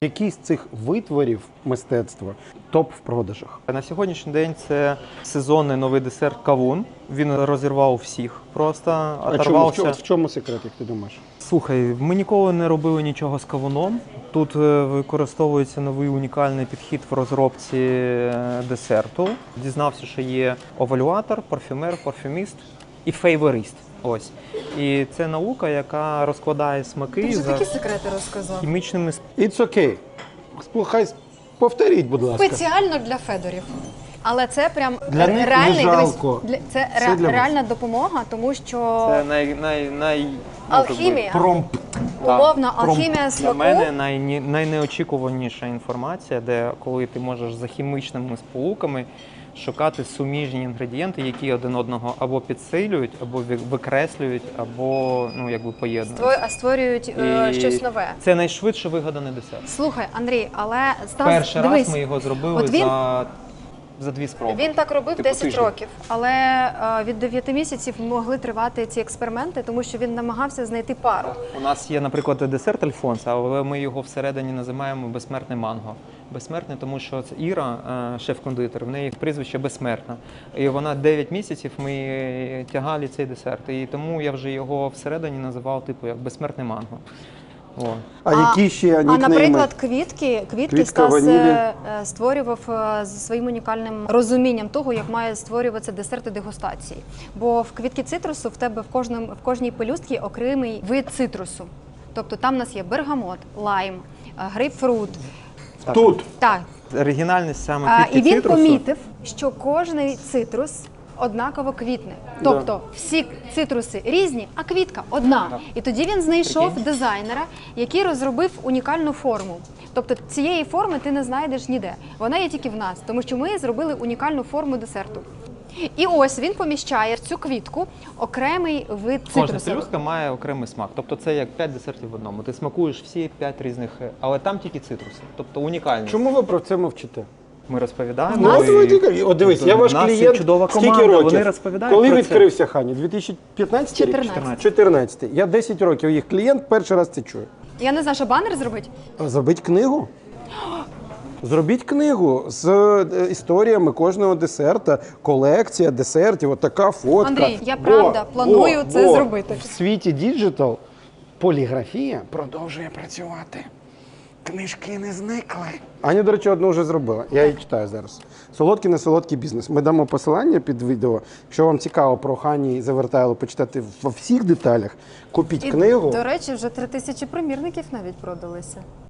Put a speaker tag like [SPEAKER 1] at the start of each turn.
[SPEAKER 1] Який з цих витворів мистецтва топ в продажах?
[SPEAKER 2] На сьогоднішній день це сезонний новий десерт кавун. Він розірвав всіх просто, оторвався.
[SPEAKER 1] В чому секрет, як ти думаєш?
[SPEAKER 2] Слухай, ми ніколи не робили нічого з кавуном. Тут використовується новий унікальний підхід в розробці десерту. Дізнався, що є овалюатор, парфюмер, парфюміст і фейворист. Ось. І це наука, яка розкладає смаки
[SPEAKER 3] Ти вже
[SPEAKER 2] за
[SPEAKER 3] такі секрети розказав.
[SPEAKER 2] хімічними
[SPEAKER 1] It's okay. Хай повторіть, будь ласка.
[SPEAKER 3] Спеціально для Федорів. Але це прям
[SPEAKER 1] Для них не
[SPEAKER 3] реальний
[SPEAKER 1] жалко.
[SPEAKER 3] це
[SPEAKER 1] Це для вас.
[SPEAKER 3] реальна допомога, тому що
[SPEAKER 2] Це
[SPEAKER 3] алхімія,
[SPEAKER 1] Промп.
[SPEAKER 3] умовна алхімія
[SPEAKER 2] Для
[SPEAKER 3] смаку.
[SPEAKER 2] мене найнеочікуваніша інформація, де коли ти можеш за хімічними сполуками шукати суміжні інгредієнти, які один одного або підсилюють, або викреслюють, або поєднують.
[SPEAKER 3] Створюють щось нове.
[SPEAKER 2] Це найшвидше вигаданий десерт.
[SPEAKER 3] Слухай, Андрій, але Стас,
[SPEAKER 2] Перший
[SPEAKER 3] дивись,
[SPEAKER 2] раз ми його зробили
[SPEAKER 3] от він-
[SPEAKER 2] за 2 спроби.
[SPEAKER 3] Він так робив
[SPEAKER 2] Типу
[SPEAKER 3] 10
[SPEAKER 2] тиждень.
[SPEAKER 3] років, але від 9 місяців могли тривати ці експерименти, тому що він намагався знайти пару.
[SPEAKER 2] У нас є, наприклад, десерт Альфонса, але ми його всередині називаємо безсмертне манго. Безсмертне, тому що це Іра, шеф-кондитер, в неї прізвище безсмертна. І вона 9 місяців ми тягали цей десерт. І тому я вже його всередині називав як безсмертне манго. О.
[SPEAKER 1] А які ще нікнейми?
[SPEAKER 3] Наприклад, квітки
[SPEAKER 1] Квітка,
[SPEAKER 3] Стас
[SPEAKER 1] ванілі.
[SPEAKER 3] створював зі своїм унікальним розумінням того, як має створюватися десерти дегустації. Бо в квітки цитрусу в тебе в кожній пелюстці окремий вид цитрусу. Тобто там у нас є бергамот, лайм, грейпфрут.
[SPEAKER 1] Тут.
[SPEAKER 3] Так.
[SPEAKER 2] Оригінальність саме квітки
[SPEAKER 3] І він
[SPEAKER 2] цитрусу.
[SPEAKER 3] помітив, що кожний цитрус однаково квітне. Тобто всі цитруси різні, а квітка одна. І тоді він знайшов дизайнера, який розробив унікальну форму. Тобто цієї форми ти не знайдеш ніде. Вона є тільки в нас, тому що ми зробили унікальну форму десерту. І ось він поміщає в цю квітку окремий вид
[SPEAKER 2] Кожна
[SPEAKER 3] цитрусу.
[SPEAKER 2] пелюстка має окремий смак. Тобто це як 5 десертів в одному. Ти смакуєш всі 5 різних, але там тільки цитруси. Тобто унікальність.
[SPEAKER 1] Чому ви про це мовчите?
[SPEAKER 2] Ми розповідаємо.
[SPEAKER 3] У нас-
[SPEAKER 1] От дивись, я ваш
[SPEAKER 2] У нас є
[SPEAKER 1] клієнт.
[SPEAKER 2] чудова
[SPEAKER 1] Скільки
[SPEAKER 2] команда,
[SPEAKER 1] років?
[SPEAKER 2] вони розповідають
[SPEAKER 1] Коли
[SPEAKER 2] про це.
[SPEAKER 1] відкрився Хані? 2015 рік?
[SPEAKER 3] 14.
[SPEAKER 1] 14. Я 10 років їх клієнт, перший раз це чую.
[SPEAKER 3] Я не знаю, що банер зробити?
[SPEAKER 1] Зробіть книгу. Зробіть книгу з історіями кожного десерта, колекція десертів, от така фотка.
[SPEAKER 3] Андрій, я правда планую це зробити.
[SPEAKER 1] В світі діджитал поліграфія продовжує працювати. Книжки не зникли. Аня, до речі, одну вже зробила. Я її читаю зараз. Солодкий, не солодкий бізнес. Ми дамо посилання під відео. Якщо вам цікаво про Хані Завертайло почитати во всіх деталях, купіть книгу.
[SPEAKER 3] До речі, вже 3000 примірників навіть продалися.